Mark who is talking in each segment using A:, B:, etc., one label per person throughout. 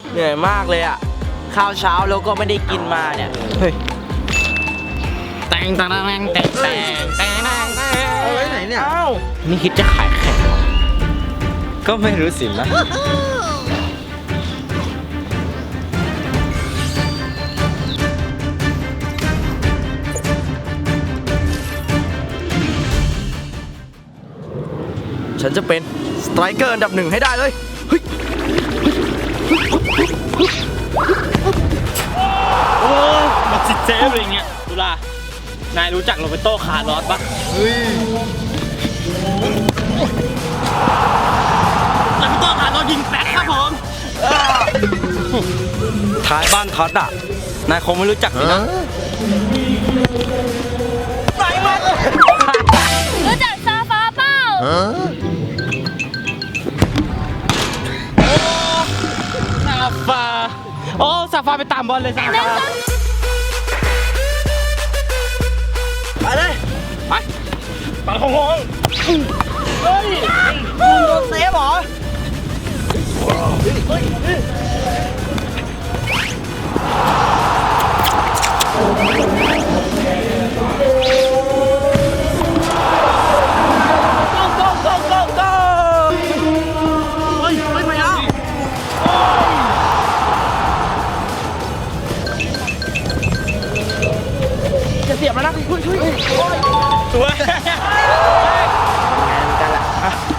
A: เหนื่อยมากเลยอ่ะข้าวเช้าแล้วก็ไม่ได้กินมาเนี่ยเฮ้ย
B: แตง
A: เอาไว้ไหนเนี่ยอ้า
B: นี่คิดจะขายแข่ง
A: ก็ไม่รู้สินะฉันจะเป็นสไตรเกอร์อันดับ 1ให้ได้เลยเฮ้ย
B: โอ้มาซิเซฟอะไรเงี้ยตุลานายรู้จักโรเบโต้คาร์ลอสปะ
A: เฮ้ย
B: โรเบโต้คาร์ลอสยิงแป๊กครับผม
A: ท้ายบ้านทัดอ่ะนายคงไม่รู้จักสินะไปมา
C: รู้จักซาฟาเปล่า
B: ซาฟาโอ้ซาฟาไปตามบอลเลยซาฟา
A: ไปเลย
B: ไปปังของง
A: เฮ้ยคุณโดนเซฟเหรอจะเสียบแล้วนะคุณช่วย
B: ตัว
A: กันละ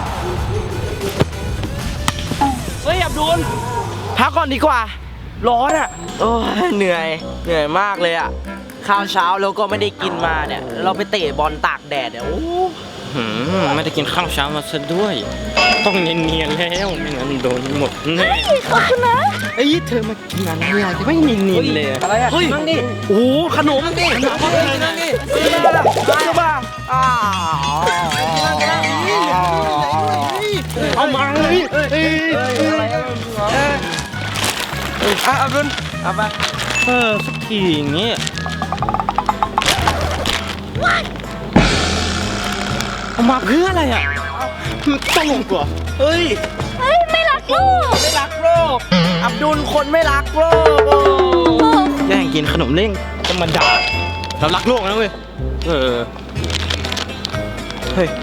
A: เฮ้ยอับดุลพักก่อนดีกว่าร้อนอ่ะโอ้ยเหนื่อยมากเลยอ่ะข้าวเช้าแล้วก็ไม่ได้กินมาเนี่ยเราไปเตะบอลตากแดดเนี่ยโอ้
B: ไม่ได้กินข้าวเช้ามาซะด้วยต้องเนียนๆแล้วไม่งั้นโดนหมดแน่
C: ขอบคุณนะ
B: เอ้ยเธอมากินอะไรอ่ะจะไม่เนียนๆเลย
A: อะไรอ่ะ
B: เฮ้ย
A: นั่งดิโอ้ขนมนั่งดินั่งดิมา
B: เอามาเลย
A: อับดุลเอาไป
B: สักทีอย่างเงี้ยเอามาเพื่ออะไรอ่ะมันตลกว่ะ
A: เฮ้ย
C: ไม่รักโลก
A: ไม่รักโลกอับดุลคนไม่รักโลก
B: แย่งกินขนมเล่งจะมาด่าเรารักโลกนะเว้ย
A: เฮ้ย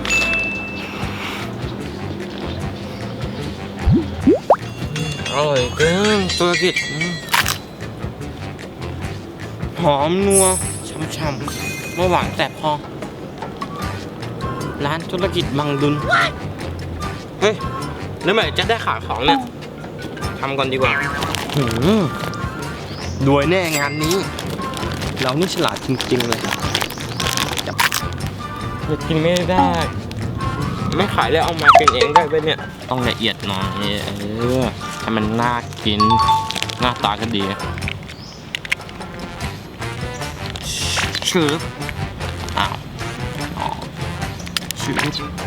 B: อร่อยเกินธุรกิจหอมนัวช่ำๆไม่หวานแต่พอร้านธุรกิจบังดุลเฮ้ยแล้วเมื่อไหร่จะได้ขายของเนี่ยทำก่อนดีกว่ารวยแน่งานนี้เรานี่ฉลาดจริงๆเลยจะกินไม่ได้ไม่ขายแล้วเอามากินเองได้ไหมเนี่ยต้องละเอียดหน่อยให้มันน่ากินหน้าตาก็ดีชื่ออ้าวชื่อ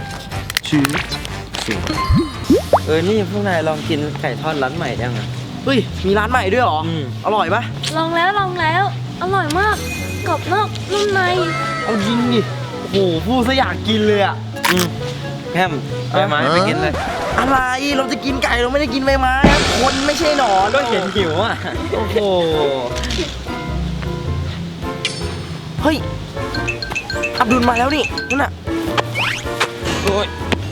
A: นี่พวกนายลองกินไก่ทอดร้านใหม่ยังไงเฮ้ยมีร้านใหม่ด้วยเหรออร่อยปะ
C: ลองแล้วอร่อยมากกรอบนอกนุ่มใน
A: เอาจริงดิโอ้โหพูดซะอยากกินเลยอ่ะแฮมใบไม้ไปกินเลยอะไรเราจะกินไก่เราไม่ได้กินใบไม้คนไม่ใช่หนอน
B: ก็เห็นหิวอ่ะ
A: โอ้โหเฮ้ยอับดุลมาแล้วนี่นั่นน่ะ
B: โอ้ย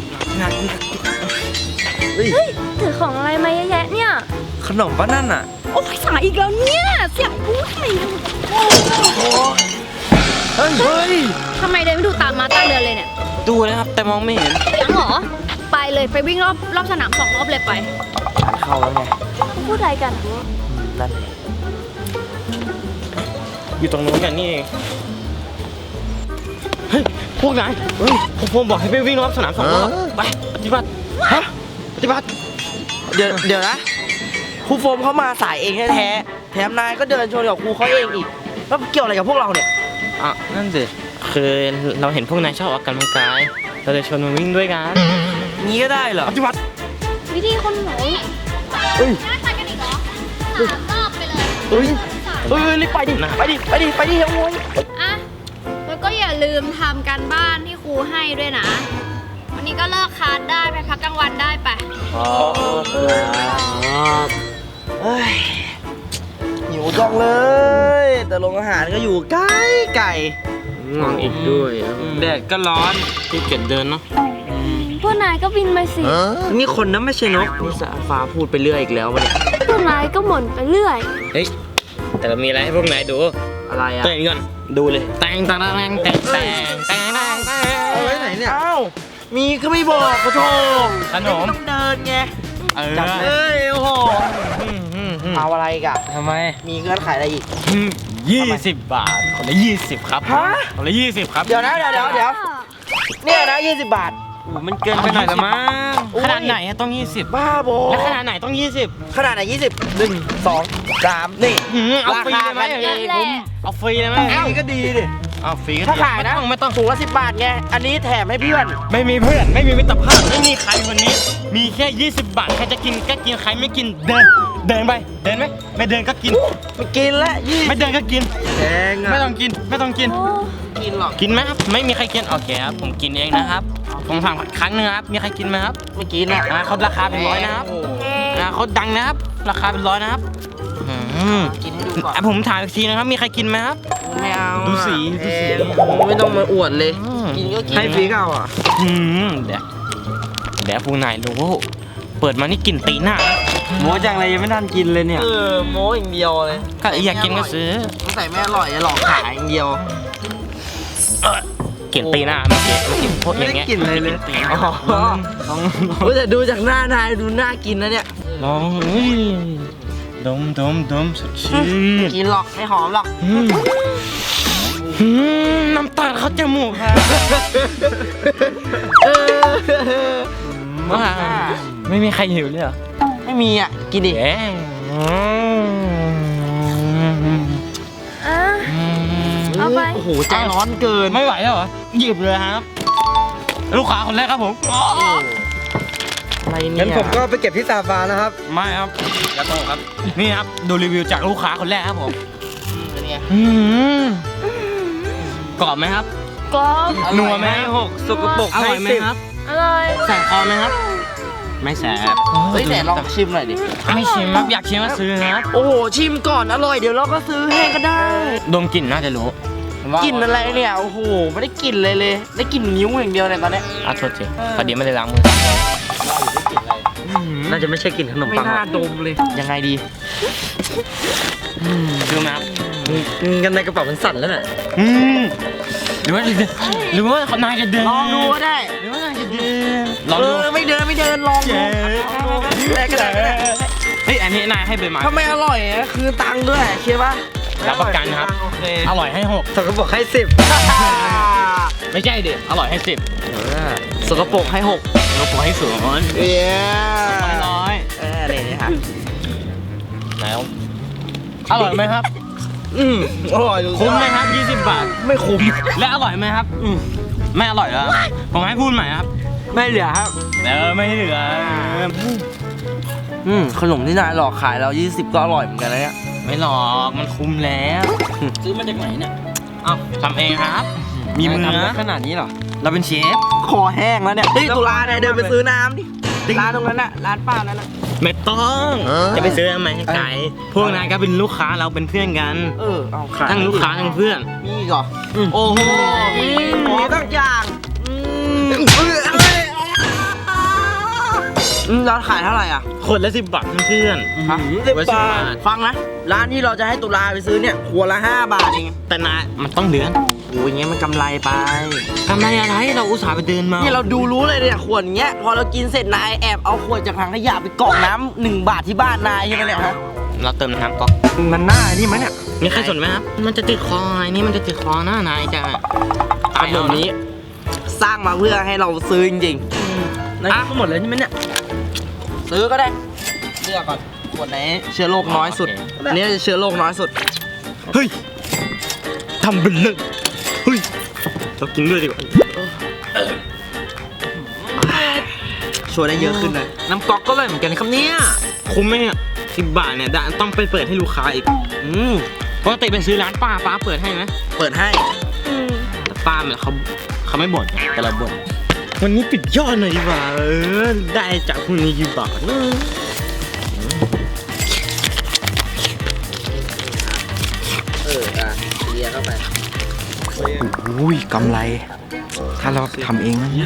C: เฮ้ยถือของอะไรมาเยอะแยะเนี่ย
A: ขนมป้านั่นน่ะ
C: โอ้ยสายอีกแล้วเนี่ยเสียงกูไข่
A: เฮ้ย
C: ทำไมเดินไม่ดูตามมาตั้งเดินเลยเนี่ย
B: ดูนะครับแต่มองไม่เห็น
C: ยังเหรอไปเลยไปวิ่งรอบสนาม2 รอบเลยไป
A: เข้าแล้วไง
C: พูดอะไรกัน
A: นั่น
B: อยู่ตรงนู้นกันนี่เองเฮ้ยพวกนายผมบอกให้ไปวิ่งรอบสนาม2 รอบไปปฏิบัติปฏิบัติ
A: เดี๋ยวนะครูโฟมเขามาสายเองแท้แถมนายก็เดินชนกับครูเขาเองอีกแล้วเกี่ยวอะไรกับพวกเราเนี่ย
B: นั่นสิคือเราเห็นพวกนายชอบออกกำลังกายเราเลยชวนมาวิ่งด้วยกัน
A: งี้ก็ได้เหรอ
B: ปฏิบัติ
C: วิธีคนหนูน่าไปกันอีกเหรอ3 รอบไปเลย
A: รีบไปดิเฮ้ย
C: อ่ะแล้วก็อย่าลืมทำการบ้านที่ครูให้ด้วยนะวันนี้ก็เลิกคลาสได้ไปพักกลางวันได้ไป
A: เลย แต่โรงอาหารก็อยู่ใกล้ไก่
B: ง่วงอีกด้วยแดดก็ร้อนที่เกียจเดินเนาะ
C: พวกนายก็บินไปสิ
A: นี่คนนะไม่ใช่นกนี่สาฟ้าพูดไปเรื่อยอีกแล้ววะเนี่ย
C: พวกนายก็หม่นไปเรื่อย
B: เฮ้ยแต่เรามีอะไรให้พวกนายดู
A: อะไรอะ
B: เต้นก่อนดูเลยแต่งแต่งแต่งแต่งแต่งแต่ง
A: เอาไว้ไหนเนี่ยอ้าวมีก็ไม่บอกกระโถ
B: ขนม
A: ต้องเดินไง
B: จับ
A: เอ้ยโอ้โหเอาอะไรอีกอะ
B: ทำไม
A: มีเงื่อนไขอะไรอีก
B: 20 บาทคนละ20 ครับ
A: ฮะ
B: คนละ20 ครับ
A: เดี๋ยวนะเดี๋ยวเนี่ยนะ20 บาท
B: มันเกินไปหน่อยละมั้ง
A: อุ๊ย
B: ขนาดไหนอะต้อง 20
A: บ้าบอ
B: แล้วขนาดไหนต้อง 20
A: ขนาดไหน20 1 2 3นี่
B: เอาฟรีเลยไหม
A: ราคากันเอง
B: ผมเอาฟรีเลยไหม
A: อ้าวก็ดีดิ
B: เอาฟรีก็
A: ถ้าขายนะ
B: ไม่ต้อง
A: ถุงละ10 บาทไงอันนี้แถมให้เพื่อน
B: ไม่มีเพื่อนไม่มีมิตรภาพไม่มีใครวันนี้ มีแค่ 20 บาทใครจะกินก็กินใครไม่กินเดินไปเดินไหมไม่เดินก็กิน
A: ไม่กินละ20
B: ไม่เดินก็กิน
A: แพงอะ
B: ไม่ต้องกินไม่ต้องกิน
C: โอ้
A: กินหรอก
B: กินไหมครับไม่มีใครกินโอเคครับผมกินเองนะครับผมถามครั้งหนึงครับมีใครกินไหมครับ
A: ไม่กินอะ
B: เขาราคาเป็นร้อยนะครับเขาดังนะครับราคาเป็นร้อยนะครับ
A: กินให้ดูก่อน
B: ผมถามอีกทีนะครับมีใครกินไหมครับ
A: ไม่เอา
B: ดูสี
A: แพงไม่ต้องมาอวดเลย กินก็กินให้ฟรีเอาอ่ะ
B: เดี๋ยวพวกนายรู้เปิดมานี่กลิ่นตีหน้า
A: โม้จังเลยยังไม่ทันกินเลยเนี่ยโม้อย่างเดียวเลย
B: ก็อยากกินก็ซื้อ
A: ตั้งแต่ไม่อร่อยจะหลอกขายอย่างเดียว
B: กลิ่นตีหน้าเมื่อกี้พวกอย่างเงี้ย
A: ไม่ได้กลิ่นเลยเลย
B: กนตีหน้า
A: เฮ้ยแต่ดูจากหน้านายดูน่ากินนะเนี่ย
B: ลองอุ้ยดมสดชื่น
A: กินหรอกไม่หอมหรอก
B: น้ำตาเข้าจมูกค่ะ
A: ว่า
B: ไม่มีใครหิวเลยเหรอ
A: ไม่มีอ่ะกินดิ
B: เอ๊ะ
C: อ่ะ เอาไป
A: โอ้โหใจร้อนเกิน
B: ไม่ไหวแล้วเหรอหยิบเลยครับ ลูกค้าคนแรกครับผม
A: อะไรเนี่ย
D: งั้นผมก็ไปเก็บที่ซาฟานะครับ
B: ไม่ครับอย่าโตครับ นี่ครับ ดูรีวิวจากลูกค้าคนแรกครับผม
A: เป็นไง
B: กรอบไหมครับ
C: กรอบ
B: นัวไหม
D: สกปรก
B: อร่อยไหมครับ
C: อร่อย
B: แสบคอไหมครับ ไม่แสบ
A: เฮ้ยไหนลองชิมหน่อยดิ
B: ไม่ชิมครับ อยากชิมก็ซื้อครับ
A: โอ้โหชิมก่อนอร่อยเดี๋ยวเราก็ซื้อให้ก็ได้
B: ดมกลิ่นน่าจะรู้
A: กลิ่นอะไรเนี่ยโอ้โหไม่ได้กลิ่นเลยเลย ได้กลิ่นนิ้วอย่างเดียวเนี่ยตอนเนี้ย
B: โทษทีพอดีไม่ได้ล้างมือ
D: น่าจะไม่ใช่กลิ่นขนม
A: ไม่
D: ปังหร
A: น่า
D: อก
A: ดมเลยยังไงดี
B: ดูไหมครับ
D: กันในกระเป๋ามันสั่นแล้วน่ะ
B: หรือว่าเขานายจะเดิน
A: ลองดูก็ได้
B: หรือว่านายจะเดินลอง
A: เอ
B: ดู
A: อไม่เดินลองดูได้ก็ได้ก็ได้
B: เฮ้ยอันนี้นายให้ไปมา
A: ถ้าไม่อร่อยอะคือตังค์ด้วยเชื่อปะ
B: รับประกันครับ
A: โอเค
B: อร่อยให้
D: สกปรกให้10
B: 6ไม่ใช่เด็อร่อยให้10
A: สกปรกให้6
B: เราปล่อยให้0
A: เย้
B: ร้อย
A: นี่ค่ะ
B: แล้วอร่อยไหมครับ
A: อร่อยดู
B: คุ้มไหมครับ20 บาท
A: ไม่คุ้ม
B: และอร่อยไหมครับไม่อร่อยแล้วผมให้พูดใหม่ครับ
A: ไม่เหลือครับ
B: ไม่เหลือ
A: ขนมที่นายหลอกขายเรา20ก็อร่อยเหมือนกันนะเนี่ย
B: ไม่หรอกมันคุ้มแล้วซื้อมาจากไหนเนี่ยอ้าวทำเองครับ มีมือ
D: ทำได้
B: นะ
D: ขนาดนี้เหรอ
B: เราเป็นเชฟ
A: คอแห้งแล้วเนี่ยเฮ้ยตุลาเนี่ยเดินไปซื้อน้ำดิร้านตรงนั้นน่ะร้านป้านั้นน่ะ
B: ไม่ต้องจะไปซื้อทำไมให้ไกลพวกนายก็เป็นลูกค้าเราเป็นเพื่อนกัน
A: เอาขาย
B: ทั้งลูกค้าทั้งเพื่อน
A: มีอีกเหรอโอ้โหมีตั้งอย่างร้านขายเท่าไหร่อ่ะ
B: คนละ10 บาทเพื่อน
A: 10 บาทฟังนะร้านที่เราจะให้ตุลาไปซื้อเนี่ยขวดละ5 บาทเอง
B: แต่นายมันต้องเดือน
A: โอ้ยอย่างเงี้ยมันกำไรไป
B: กำไรอะไรเราอุตส่าห์ไปเดินมา
A: นี่เราดูรู้เลยเนี่ยขวดอย่างเงี้ยพอเรากินเสร็จนายแอบเอาขวดจากถังขยะไปกรอกน้ำ1 บาทที่บ้านนายใช่ไหมเนี่ยฮะ
B: เราเติมน้ำก๊อก
A: มันน่านี่มั้ยเนี่ย
B: มีใครสนไหมครับมันจะติดคอไอ้นี่มันจะติดคอหน้านายจะ
A: ขนมนี้สร้างมาเพื่อให้เราซื้อจริงๆนะหมดเลยใช่ไหมเนี่ยซื้อก็ได้เลือกก่อนขวดไหนเชื้อโรคน้อยสุดอันนี้เชื้อโรคน้อยสุด
B: เฮ้ยทำเป็นเล่นเฮ้ยเรากินด้วยดีกว่า
A: ช่วยได้เยอะขึ้นเลย
D: น้ำก๊อกก็เลยเหมือนกันครับเนี่ย
B: คุ้มไหมเนี่ย10 บาทเนี่ยต้องไปเปิดให้ลูกค้าอีกปกติไปซื้อร้านป้าเปิดให้ไหม
A: เปิดให้
B: แต่ป้าเนี่ยเขาไม่บ่นแต่เราบ่นวันนี้ปิดยอดหน่อยดีกว่าได้จากพวกนี้กี่บาท
D: เข้าไป
A: อุ้ยกำไร ถ้าเราทำเองนะเนี่ย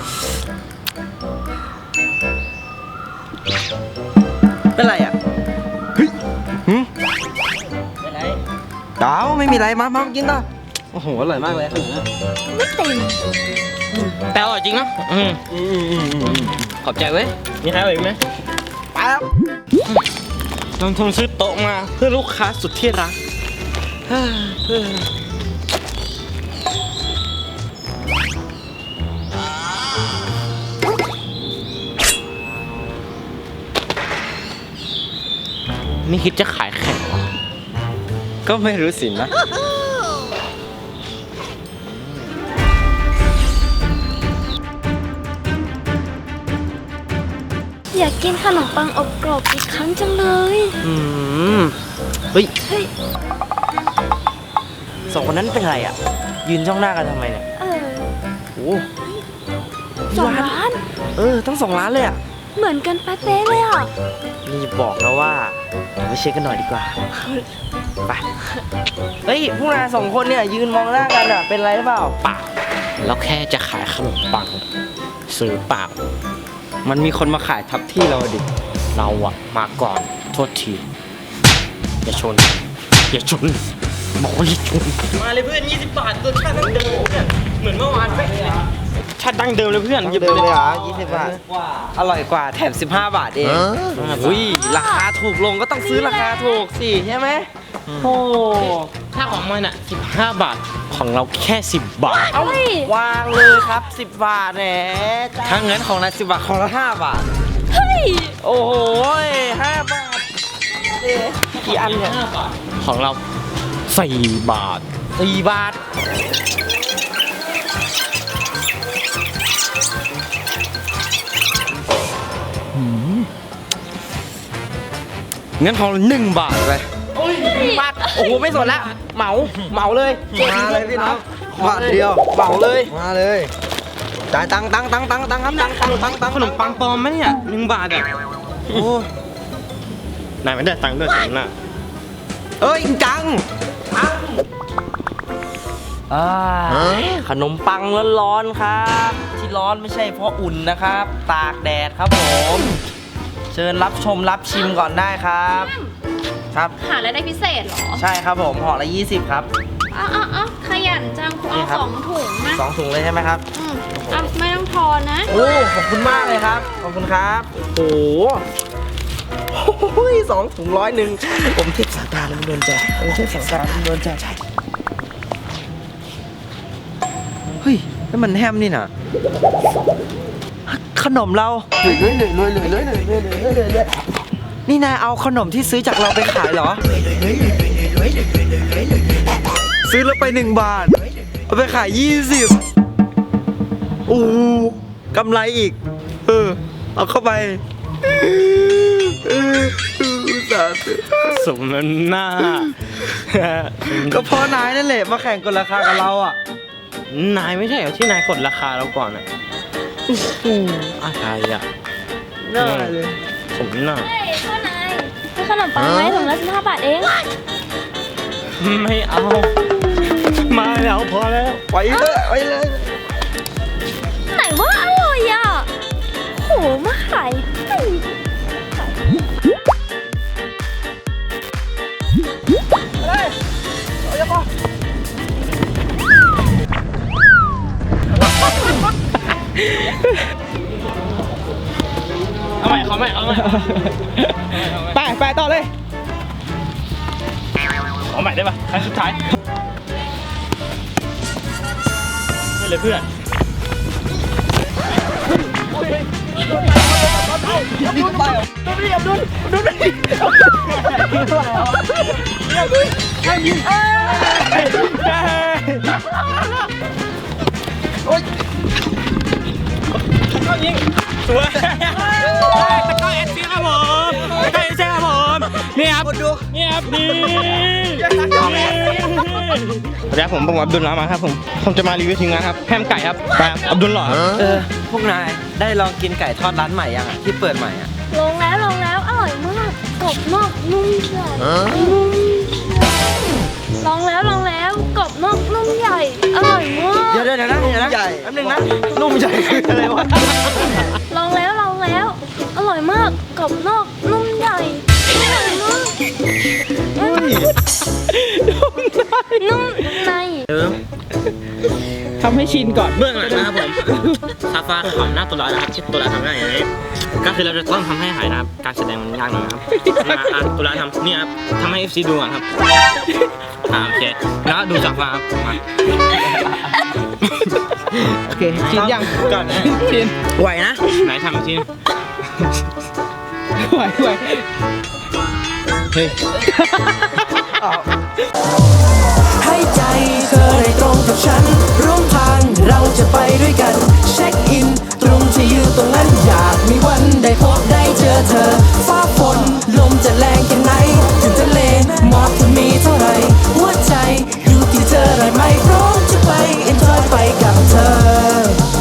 A: เป็นไรอ่ะเฮ้ยเป็นไรเดาไม่มีไรมากินต่อโอ้โหอร่อยมากเลย
C: ไม่เต็ม
B: แต่อร่อยจริงนะขอบใจเว้ยมีใครเอาอีกไหม
A: ไปแล้ว
B: ลงทุนซื้อโต๊ะมาเพื่อลูกค้าสุดที่รักไม่คิดจะขายแข่งเหรอ
D: ก็ไม่รู้สินะ
C: อยากกินขนมปังอบกรอบอีกครั้งจังเลย
A: เฮ้ย
C: เฮ้ย
A: สองคนนั้นเป็นไรอ่ะ ยืนจ้องหน้ากันทำไมเนี่ย โอ้
C: 2 ล้าน
A: ทั้ง2 ล้านเลยอ่ะ
C: เหมือนกันเป๊ะๆเลยอ่ะ
A: นี่บอกนะว่าเราไปเช็คกันหน่อยดีกว่า ไป เฮ้ย พวกนาย2 คนเนี่ยยืนมองหน้ากันอ่ะ เป็นไรหรือเปล่า
B: เปล่าเราแค่จะขายขนมปังซื้อเปล่า
D: มันมีคนมาขายทับที่เราดิ
B: เราอะมาก่อนโทษทีอย่าชนบอกว่าอย่าชนมาเลยเพื่อน20 บาทรสชาติดั้งเดิมเนี่ยเหมือนเมื่อวานไปชาติดั้งเดิมเลยเพื่อนหยิบ
A: เดิม
B: เล
A: เลย
B: ย
A: เหรอ20 บาท อร่อยกว่าแถม15 บาทเอง อุ้ย ราคาถูกลงก็ต้องซื้อราคาถูกสิใช่ไหมโอ้
B: ถ้าของมันอะ15 บาทของเราแค่10 บาท
A: เอาวางเลยครับ 10 บาทแหม
D: ถ้างั้นของนาย10 บาทของละ5 บาท
C: เฮ้ย
A: โอ้โห5 บาทเอ๊ะกี่อันเนี่ย
B: ของเรา4 บาท
A: 4 บาท
D: งั้นของ1 บาทไป
A: บาท โอ้โห ไม่สนแล้ว เหมาเลย
D: มาเลยพี่น้อง
A: บาทเดียว เหมาเลย
D: มาเลยจ่ายตังค์ครับตังค์
B: ขนมปังปลอมไหมเนี่ย1 บาทอะโอ้นายไม่ได้ตังค์ด้วยสินะ
A: เอ้ยจังขนมปังร้อนๆครับ ที่ร้อนไม่ใช่เพราะอุ่นนะครับ ตากแดดครับผม เชิญรับชมรับชิมก่อนได้ครับ ครับ
C: หาอะไรได้พิเศษเหรอ
A: ใช่ครับผมห่อละ20 ครับ
C: อ้าวขยันจังเอา
A: นี่ครับ
C: 2 ถุงนะ
A: 2 ถุงเลยใช่ไหมครับ
C: ไม่ต้องทอนนะ
A: โอ้ขอบคุณมากเลยครับ ขอบคุณครับ โอ้โห2 ถุง101ผมเทพสาตาแล้วโดนใจผมเทพสาตาแล้วโดนใจใช่เฮ้ยนั่นมันแฮมนี่น่ะ ขนมเรานี่นายเอาขนมที่ซื้อจากเราไปขายเหรอ ซื้อแล้วไป1 บาท เอาไปขาย20โอ้กำไรอีก เอาเข้าไปสาธุ
B: สมน้ำหน้า
A: ก็เพราะนายนั่นแหละมาแข่งกันราคากับเราอ่ะ
B: นายไม่ใช่เหรอที่นายกดราคาเราก่อนอะอะไรอะ
A: น่าเลย
B: สมหน้า
C: เฮ้ยพ่อนายซื้อขนมปังไหมถุงละ15 บาทเอง
B: ไม่เอามาแล้วพอแล้ว
A: ไปเลย
C: ไหนว่าอร่อยอ่ะโหมาขายให้
B: เอาใหม่เอาใหม่
A: ไปต่อเลย
B: เอาใหม่ได้ปะครั้งสุดท้ายนี่เลยเพื่อน เข้ายิงสวยตะก้อเอสซีครับผมตะก้อเอสซีครับผมนี่ครับนี่ครับนี่สวัสดีครับผมอับดุลลามาครับผมจะมารีวิวทีมงานครับแฮมไก่ครับไปครับอับดุลหล่อ
A: พวกนายได้ลองกินไก่ทอดร้านใหม่ยังที่เปิดใหม่อ่ะ
C: ลงแล้วอร่อยมากกรอบนอกนุ่มในลองแล้วนอกนุ่มใหญ่ อร่อยมาก
A: เดี๋ยวนะแป๊บนึงนะนุ่มใหญ่คืออะไรวะ
C: ลองแล้ว อร่อยมาก กรอบนอก นุ่มใหญ่ อร่อยมากนุ่มใน
B: ทำให้ชินก่อนเบื้องหลังนะครับผมซาฟาทำหน้าตัวร้ายนะครับที่ตัวร้ายทำหน้าอย่างนี้ก็คือเราจะต้องทำให้หายนะครับการแสดงมันยากหน่อยนะครับตัวร้ายทำนี่ครับทำให้ FC ดูก่อนครับโอเคแล้วดูซาฟาครับมา
A: โอเคชินยัง
B: ก่อนนะ
A: ชินไหวนะ
B: ไหนทำชิน
A: ไหวเฮ้ย
E: ให้ใจเธอได้ตรงกับฉันร่วมทางเราจะไปด้วยกันเช็คอินตรงที่อยู่ตรงนั้นอยากมีวันได้พบได้เจอเธอฟ้า